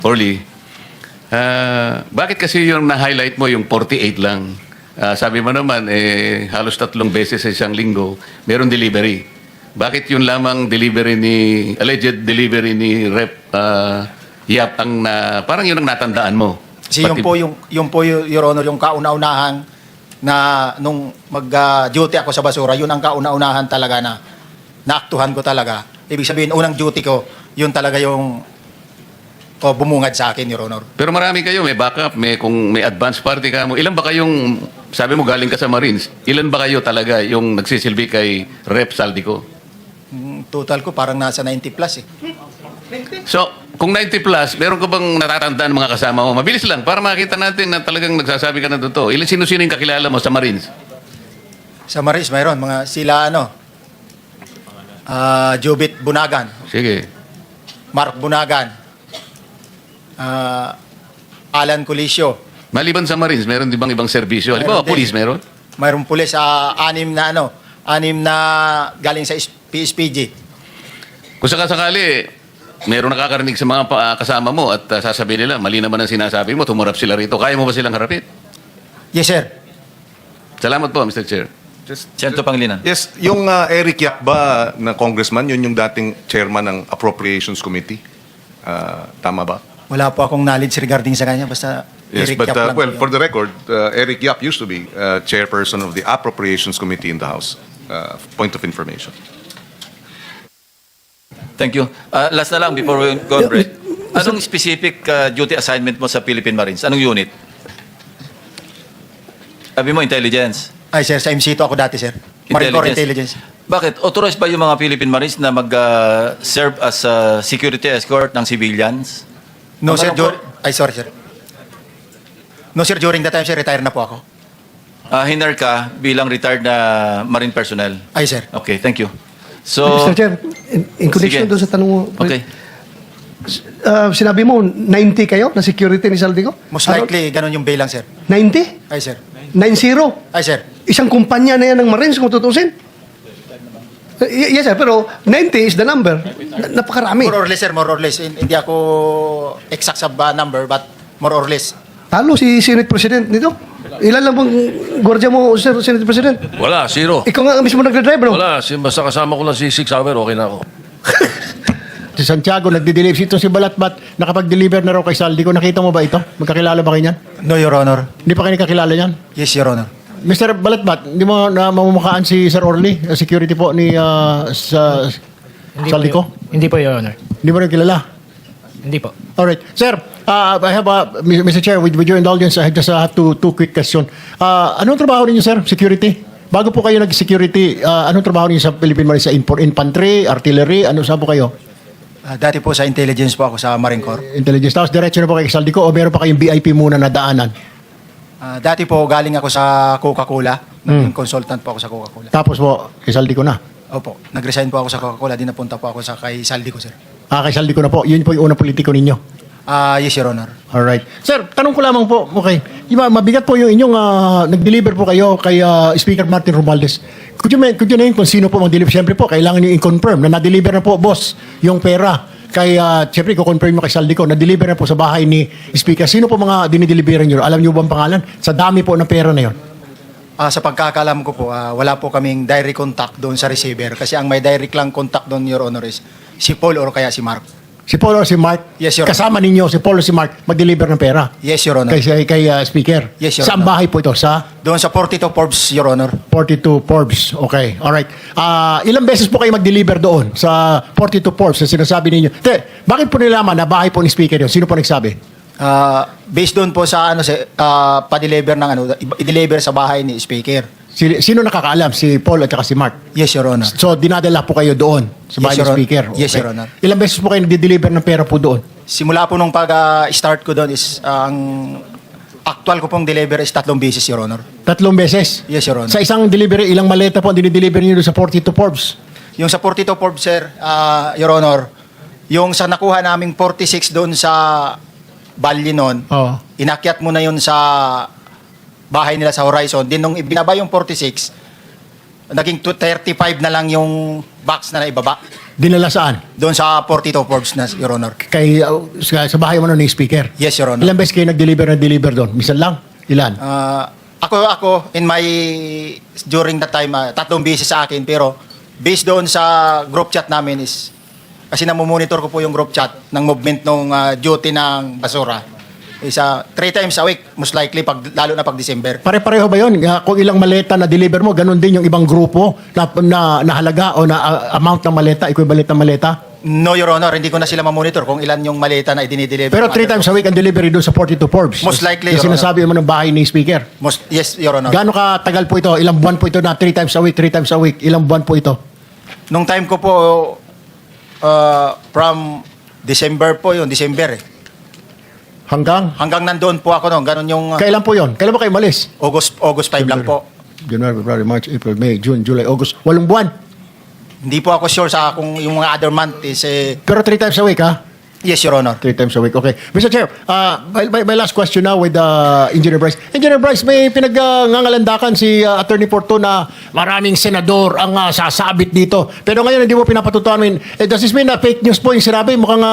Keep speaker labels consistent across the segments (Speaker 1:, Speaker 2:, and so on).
Speaker 1: Orly, bakit kasi yung na-highlight mo yung 48 lang? Sabi mo naman, halos 3 beses sa isang linggo, meron delivery. Bakit yun lamang alleged delivery ni Rep. Yap parang yun ang natandaan mo?
Speaker 2: Kasi yung po, Your Honor, yung kauna-unahan na nung mag-duty ako sa basura, yun ang kauna-unahan talaga na naaktuhan ko talaga. Ibig sabihin, unang duty ko, yun talaga yung bumungad sa akin, Your Honor.
Speaker 1: Pero marami kayo, may backup, kung may advance party ka mo. Ilan ba kayong, sabi mo galing ka sa Marines, ilan ba kayo talaga yung nagsisilbi kay Rep. Saldico?
Speaker 2: Total ko parang nasa 90 plus eh.
Speaker 1: So, kung 90 plus, meron ka bang natatandaan mga kasama mo? Mabilis lang, para makita natin na talagang nagsasabi ka na totoo. Sino-sino yung kakilala mo sa Marines?
Speaker 2: Sa Marines, mayroon mga sila Jobit Bunagan,
Speaker 1: Sige.
Speaker 2: Mark Bunagan, Alan Colisio.
Speaker 1: Maliban sa Marines, meron di bang ibang serbisyo? Halimbawa,
Speaker 2: Meron din.
Speaker 1: police meron?
Speaker 2: Mayroong pulis, anim na galing sa PSPG.
Speaker 1: Kung sakasakali, meron nakakarinig sa mga kasama mo at sasabihin nila, mali naman ang sinasabi mo, tumurap sila rito. Kaya mo ba silang harapin?
Speaker 2: Yes, sir.
Speaker 1: Salamat po, Mr. Chair.
Speaker 3: Senator Pangilinan.
Speaker 4: Yes, yung Eric Yap ba na congressman, yun yung dating chairman ng Appropriations Committee? Tama ba?
Speaker 2: Wala po akong knowledge regarding sa kanya, basta
Speaker 4: Yes,
Speaker 2: Eric
Speaker 4: but
Speaker 2: Yap lang
Speaker 4: well,
Speaker 2: po
Speaker 4: for
Speaker 2: yun.
Speaker 4: the record, Eric Yap used to be chairperson of the Appropriations Committee in the House. Point of information.
Speaker 3: Thank you. Last na lang before we go on break. Anong specific duty assignment mo sa Philippine Marines? Anong unit? Sabi mo, intelligence.
Speaker 2: Ay, sir, sa MC2 ako dati, sir. Marine Corps Intelligence.
Speaker 3: Bakit? Authorized ba yung mga Philippine Marines na mag-serve as security escort ng civilians?
Speaker 2: No, sir.
Speaker 3: Ano po?
Speaker 2: Sorry, sir. No, sir. During that time, sir, retire na po ako.
Speaker 3: Hinar ka bilang retired na Marine personnel.
Speaker 2: Ay, sir.
Speaker 3: Okay, thank you. So,
Speaker 5: Mr. Chair, in connection
Speaker 3: Sige.
Speaker 5: doon sa tanong mo,
Speaker 3: okay.
Speaker 5: sinabi mo, 90 kayo na security ni Saldico?
Speaker 2: Most likely, ganun yung bilang, sir.
Speaker 5: 90?
Speaker 2: Ay, sir.
Speaker 5: 90?
Speaker 2: Ay, sir.
Speaker 5: Isang kumpanya na yan ng Marines kung tutusin. Yes, sir, pero 90 is the number. Napakarami.
Speaker 2: More or less, sir. More or less. Hindi ako exact sa number, but more or less.
Speaker 5: Talo si Senate President nito. Ilan lang bang gwardiya mo, Sir Senate President?
Speaker 6: Wala, zero.
Speaker 5: Ikaw nga mismo nagdadrive, no?
Speaker 6: Wala, basta kasama ko lang si 6 hour, okay na ako.
Speaker 5: Si Santiago, nagde-deliver. Si Balatbat, nakapag-deliver na raw kay Saldico. Nakita mo ba ito? Magkakilala ba kayo niyan?
Speaker 2: No, Your Honor.
Speaker 5: Hindi pa kayo nakakilala niyan?
Speaker 2: Yes, Your Honor.
Speaker 5: Mr. Balatbat, hindi mo na mamumukaan si Sir Orly, security po ni sa Saldico?
Speaker 7: Hindi po, Your Honor.
Speaker 5: Hindi mo rin kilala?
Speaker 7: Hindi po.
Speaker 5: Alright. Sir, I have Mr. Chair, with your indulgence, I just have two quick question. Anong trabaho ninyo, sir? Security? Bago po kayo nag-security, anong trabaho ninyo sa Philippine Marines? Sa infantry, artillery, saan po kayo?
Speaker 2: Dati po sa intelligence po ako sa Marine Corps.
Speaker 5: Intelligence. Tapos diretso na po kay Saldico o meron pa kayong VIP muna na daanan?
Speaker 2: Dati po galing ako sa Coca-Cola. Naging consultant po ako sa Coca-Cola.
Speaker 5: Tapos po, kay Saldico na?
Speaker 2: Opo. Nag-resign po ako sa Coca-Cola. Di napunta po ako kay Saldico, sir.
Speaker 5: Kay Saldico na po. Yun po yung unang politiko ninyo?
Speaker 2: Yes, Your Honor.
Speaker 5: Alright. Sir, tanong ko lamang po, okay. Mabigat po yung inyong nag-deliver po kayo kay Speaker Martin Romualdez. Could you name kung sino po mag-deliver? Siyempre po, kailangan nyo i-confirm na na-deliver na po, boss, yung pera. Kaya, siyempre, i-confirm mo kay Saldico, na-deliver na po sa bahay ni Speaker. Sino po mga dinideliveran nyo? Alam nyo ba ang pangalan? Sa dami po ng pera na yun.
Speaker 2: Sa pagkakalam ko po, wala po kaming direct contact doon sa receiver. Kasi ang may direct lang contact doon, Your Honor, is si Paul or kaya si Mark.
Speaker 5: Si Paul o si Mark?
Speaker 2: Yes, Your Honor.
Speaker 5: Kasama ninyo, si Paul o si Mark, mag-deliver ng pera?
Speaker 2: Yes, Your Honor.
Speaker 5: Kay Speaker?
Speaker 2: Yes, Your
Speaker 5: Saan
Speaker 2: Honor.
Speaker 5: bahay po ito? Sa
Speaker 2: Doon sa 42 Forbes, Your Honor.
Speaker 5: 42 Forbes. Okay, alright. Ilang beses po kayo mag-deliver doon sa 42 Forbes na sinasabi ninyo? Bakit po nilaman na bahay po ni Speaker yun? Sino po nagsabi?
Speaker 2: Based doon po sa pa-deliver ng i-deliver sa bahay ni Speaker.
Speaker 5: Sino nakakaalam? Si Paul at saka si Mark?
Speaker 2: Yes, Your Honor.
Speaker 5: So, dinadala po kayo doon sa bahay
Speaker 2: Yes,
Speaker 5: ni
Speaker 2: Your Honor.
Speaker 5: Speaker?
Speaker 2: Yes, Your Honor.
Speaker 5: Ilang beses po kayo nag-deliver ng pera po doon?
Speaker 2: Simula po nung pag-start ko doon is ang actual ko pong deliver is 3 beses, Your Honor.
Speaker 5: 3 beses?
Speaker 2: Yes, Your Honor.
Speaker 5: Sa isang delivery, ilang maleta po ang dinideliver niyo doon sa 42 Forbes?
Speaker 2: Yung sa 42 Forbes, sir, Your Honor, yung sa nakuha naming 46 doon sa Bali noon,
Speaker 5: Oo.
Speaker 2: inakyat mo na yun sa bahay nila sa Horizon. Din nung ibinaba yung 46, naging 35 na lang yung box na naibaba.
Speaker 5: Dinala saan?
Speaker 2: Doon sa 42 Forbes na, Your Honor.
Speaker 5: Kay, sa bahay mo ni speaker?
Speaker 2: Yes, Your Honor.
Speaker 5: Ilang beses kayo nag-deliver doon? Misan lang? Ilan?
Speaker 2: Ako, during that time, 3 beses sa akin, pero based doon sa group chat namin is, kasi namumonitor ko po yung group chat ng movement ng duty ng basura. Is 3 times a week, most likely, lalo na pag December.
Speaker 5: Pare-pareho ba yun? Kung ilang maleta na deliver mo, ganun din yung ibang grupo na halaga o na amount ng maleta, equivalent ng maleta?
Speaker 2: No, Your Honor, hindi ko na sila mamonitor kung ilan yung maleta na idinideliver.
Speaker 5: Pero 3 times a week ang delivery doon sa 42 Forbes.
Speaker 2: Most likely,
Speaker 5: Yung
Speaker 2: Your
Speaker 5: sinasabi mo ng bahay ni speaker.
Speaker 2: Yes, Your Honor.
Speaker 5: Gaano katagal po ito? Ilang buwan po ito na 3 times a week, 3 times a week? Ilang buwan po ito?
Speaker 2: Nung time ko po, from December po yun, December eh.
Speaker 5: Hanggang?
Speaker 2: Hanggang nandoon po ako noon, ganun yung
Speaker 5: Kailan po yon? Kailan ba kayo malis?
Speaker 2: August 5 lang po.
Speaker 5: January, February, March, April, May, June, July, August. 8 buwan.
Speaker 2: Hindi po ako sure sa kung yung mga other month is
Speaker 5: Pero 3 times a week, ha?
Speaker 2: yes, Your Honor.
Speaker 5: 3 times a week. Okay. Mr. Chair, my last question now with Engineer Bryce. Engineer Bryce, may pinag-ngangalandakan si Attorney Porto na maraming senador ang sasabit dito. Pero ngayon hindi mo pinapatutuan. Does this mean na fake news po yung sinabi? Mukhang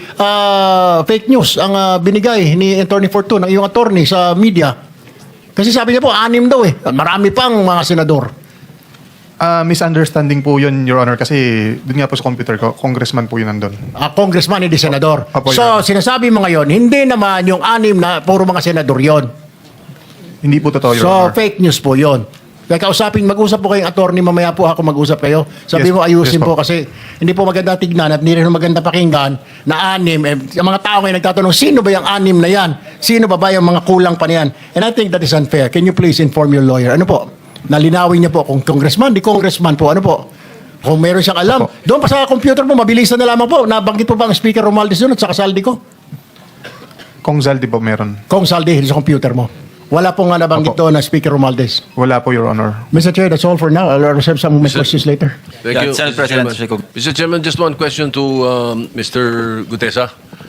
Speaker 5: fake news ang binigay ni Attorney Porto ng iyong attorney sa media. Kasi sabi niya po, 6 daw eh. Marami pang mga senador.
Speaker 8: Misunderstanding po yun, Your Honor, kasi dun nga po sa computer ko, congressman po yun nandun.
Speaker 5: Congressman, hindi senador.
Speaker 8: Opo, Your
Speaker 5: So,
Speaker 8: Honor.
Speaker 5: sinasabi mo ngayon, hindi naman yung 6 na puro mga senador yon.
Speaker 8: Hindi po totoo, Your
Speaker 5: So,
Speaker 8: Honor.
Speaker 5: fake news po yon. Kaya mag-usap po kayong attorney, mamaya po ako mag-usap kayo. Sabi
Speaker 8: Yes,
Speaker 5: mo, ayusin
Speaker 8: yes
Speaker 5: po
Speaker 8: po.
Speaker 5: kasi hindi po maganda tignan at hindi rin maganda pakinggan na 6. Ang mga tao ngayon nagtatanong, sino ba yung 6 na yan? Sino ba yung mga kulang pa na yan? And I think that is unfair. Can you please inform your lawyer? Ano po? Nalinawin niya po kung congressman, di congressman po. Ano po? Kung meron siyang alam. Doon pa sa computer mo, mabilisan na lamang po. Nabanggit po ba ang Speaker Romualdez doon at sa kasaldi ko?
Speaker 8: Kung Zaldi po meron.
Speaker 5: Kung saldi sa computer mo. Wala po nga nabanggit
Speaker 8: Opo.
Speaker 5: doon na Speaker Romualdez.
Speaker 8: Wala po, Your Honor.
Speaker 5: Mr. Chair, that's all for now. I'll reserve some of my questions later.
Speaker 6: Thank
Speaker 3: Yeah,
Speaker 6: you,
Speaker 3: Senate
Speaker 6: Mr.
Speaker 3: President
Speaker 6: Chairman.
Speaker 3: Chico.
Speaker 6: Mr. Chairman, just one question to Mr. Gutesa.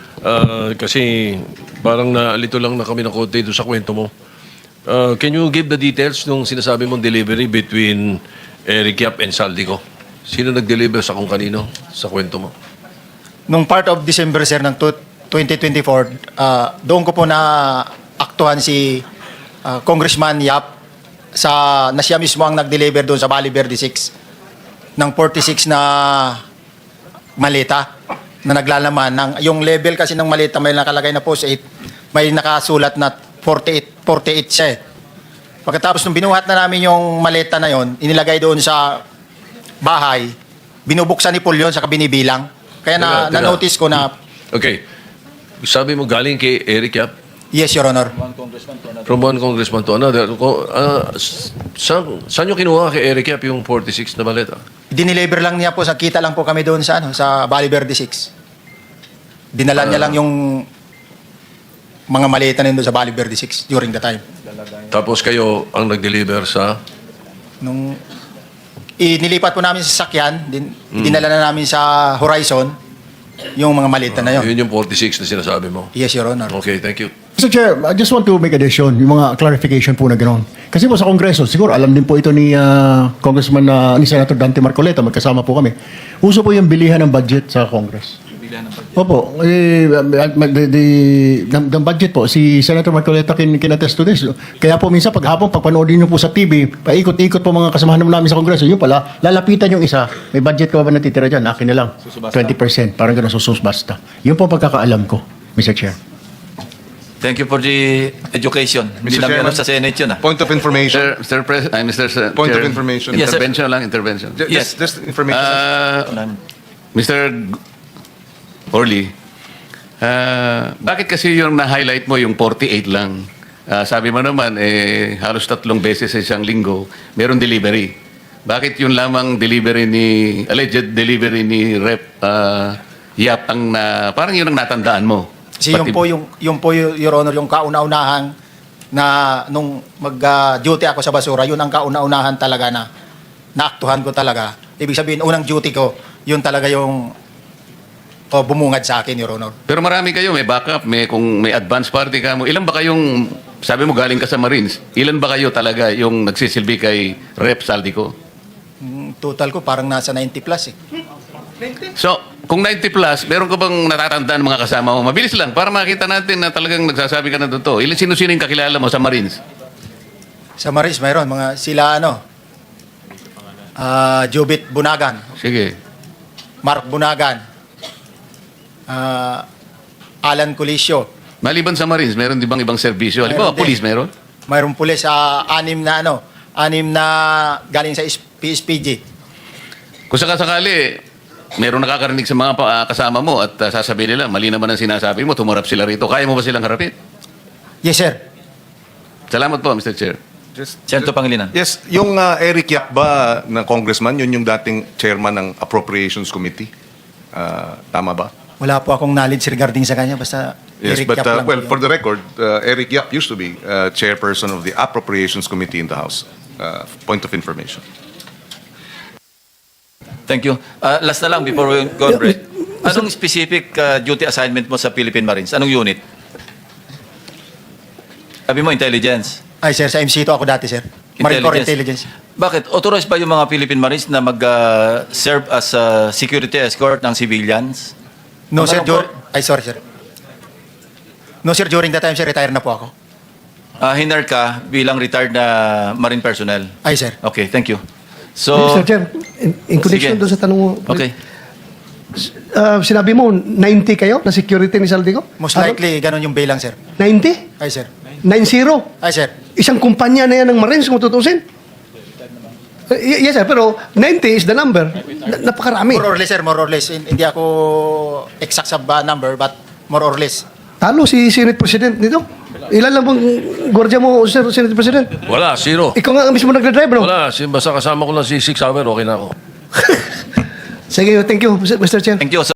Speaker 6: Kasi parang nalito lang na kami ng konti doon sa kwento mo. Can you give the details nung sinasabi mong delivery between Eric Yap and Saldico? Sino nag-deliver sa kung kanino sa kwento mo?
Speaker 2: Nung part of December, sir, ng 2024, doon ko po na aktuhan si Congressman Yap na siya mismo ang nag-deliver doon sa Bali Verde 6 ng 46 na maleta na naglalaman. Yung level kasi ng maleta may nakalagay na post 8, may nakasulat na 48 siya eh. Pagkatapos nung binuhat na namin yung maleta na yon, inilagay doon sa bahay, binubuksan ni Paul yun sa binibilang. Kaya
Speaker 6: Teka.
Speaker 2: na-notice ko na,
Speaker 6: Okay. Sabi mo galing kay Eric Yap
Speaker 2: yes, Your Honor.
Speaker 6: from one congressman to another. Saan nyo kinuha kay Eric Yap yung 46 na maleta?
Speaker 2: Dineliver lang niya po, kita lang po kami doon sa Bali Verde 6. Dinala niya lang yung mga maleta na yun doon sa Bali Verde 6 during the time.
Speaker 6: Tapos kayo ang nag-deliver sa...
Speaker 2: Nung inilipat po namin sa sasakyan, dinala na namin sa Horizon yung mga maleta na yun.
Speaker 6: Yun yung 46 na sinasabi mo.
Speaker 2: Yes, Your Honor.
Speaker 6: Okay, thank you.
Speaker 5: Mr. Chair, I just want to make addition, yung mga clarification po na gano'n. Kasi po sa Kongreso, siguro alam din po ito ni Congressman, ni Senator Dante Marcoleta, magkasama po kami. Uso po yung bilihan ng budget sa Congress. Opo, ng budget po, si Senator Marcoleta kinatest to this. Kaya po minsan paghapon, pagpanoodin niyo po sa TV, paikot-ikot po mga kasamahan namin sa Kongreso, yun pala, lalapitan yung isa, may budget ka ba natitira dyan? Akin na lang, 20%, parang gano'n, basta. Yun po ang pagkakaalam ko, Mr. Chair.
Speaker 3: Thank you for the education. Hindi
Speaker 4: Mr.
Speaker 3: lang meron
Speaker 4: Chairman?
Speaker 3: sa Senate yun.
Speaker 4: Point of information.
Speaker 1: Point
Speaker 4: of information.
Speaker 3: Yes, sir.
Speaker 1: Intervention lang, intervention.
Speaker 3: Yes.
Speaker 4: Just information.
Speaker 1: Mr. Orly, bakit kasi yung na-highlight mo yung 48 lang? Sabi mo naman, halos 3 beses sa isang linggo, meron delivery. Bakit yun lamang alleged delivery ni Rep Yap parang yun ang natandaan mo?
Speaker 2: Kasi yung po, Your Honor, yung kauna-unahan na nung mag-duty ako sa basura, yun ang kauna-unahan talaga na naaktuhan ko talaga. Ibig sabihin, unang duty ko, yun talaga yung bumungad sa akin, Your Honor.
Speaker 1: Pero marami kayo, may backup, kung may advance party ka mo. Ilan ba kayong, sabi mo galing ka sa Marines, ilan ba kayo talaga yung nagsisilbi kay Rep Saldico?
Speaker 2: total ko parang nasa 90 plus eh.
Speaker 1: So, kung 90 plus, meron ka bang natatandaan ng mga kasama mo? Mabilis lang, para makita natin na talagang nagsasabi ka na totoo. Sino-sino yung kakilala mo sa Marines?
Speaker 2: Sa Maris, mayroon mga sila Jubit Bunagan,
Speaker 1: Sige.
Speaker 2: Mark Bunagan, Alan Colisio.
Speaker 1: Maliban sa Marines, meron di bang ibang serbisyo? Halimbawa,
Speaker 2: Meron din.
Speaker 1: police meron?
Speaker 2: Mayroong pulis anim na galing sa PSPG.
Speaker 1: Kung sakasakali, meron nakakarinig sa mga kasama mo at sasabihin nila, mali naman ang sinasabi mo, tumarap sila rito. Kaya mo ba silang harapin?
Speaker 2: Yes, sir.
Speaker 1: Salamat po, Mr. Chair.
Speaker 3: Senator Pangilinan.
Speaker 4: Yes, yung Eric Yap ba na congressman, yun yung dating chairman ng Appropriations Committee. Tama ba?
Speaker 2: Wala po akong knowledge regarding sa kanya. Basta
Speaker 4: Yes,
Speaker 2: Eric
Speaker 4: but
Speaker 2: Yap lang po
Speaker 4: well,
Speaker 2: yun.
Speaker 4: for the record, Eric Yap used to be chairperson of the Appropriations Committee in the House. Point of information.
Speaker 3: Thank you. Last na lang before we go on break. Anong specific duty assignment mo sa Philippine Marines? Anong unit? Sabi mo, intelligence.
Speaker 2: Ay, sir, sa MC to ako dati, sir. Marine Corps Intelligence.
Speaker 3: Bakit? Authorized ba yung mga Philippine Marines na mag-serve as security escort ng civilians?
Speaker 2: No, sir.
Speaker 3: Ano po?
Speaker 2: Ay, sorry, sir. No, sir. During that time, sir, retire na po ako.
Speaker 3: Hinar ka bilang retired na Marine personnel.
Speaker 2: Ay, sir.
Speaker 3: Okay, thank you. So,
Speaker 5: Mr. Chair, in connection
Speaker 3: Sige.
Speaker 5: doon sa tanong mo,
Speaker 3: okay.
Speaker 5: sinabi mo, 90 kayo na security ni Saldico?
Speaker 2: Most likely, ganun yung bilang, sir.
Speaker 5: 90?
Speaker 2: Ay, sir.
Speaker 5: 90?
Speaker 2: Ay, sir.
Speaker 5: Isang kumpanya na yan ng Marines kung tutusin. Yes, sir, pero 90 is the number. Napakarami.
Speaker 2: More or less, sir. More or less. Hindi ako exact sa number, but more or less.
Speaker 5: Talo si Senate President nito. Ilan lang bang gwardiya mo, Sir Senate President?
Speaker 6: Wala, zero.
Speaker 5: Ikaw nga ang mismo nagdadrive, no?
Speaker 6: Wala, basta kasama ko lang si 6 hour, okay na ako.
Speaker 5: Sige, thank you, Mr. Chair.
Speaker 3: Thank you.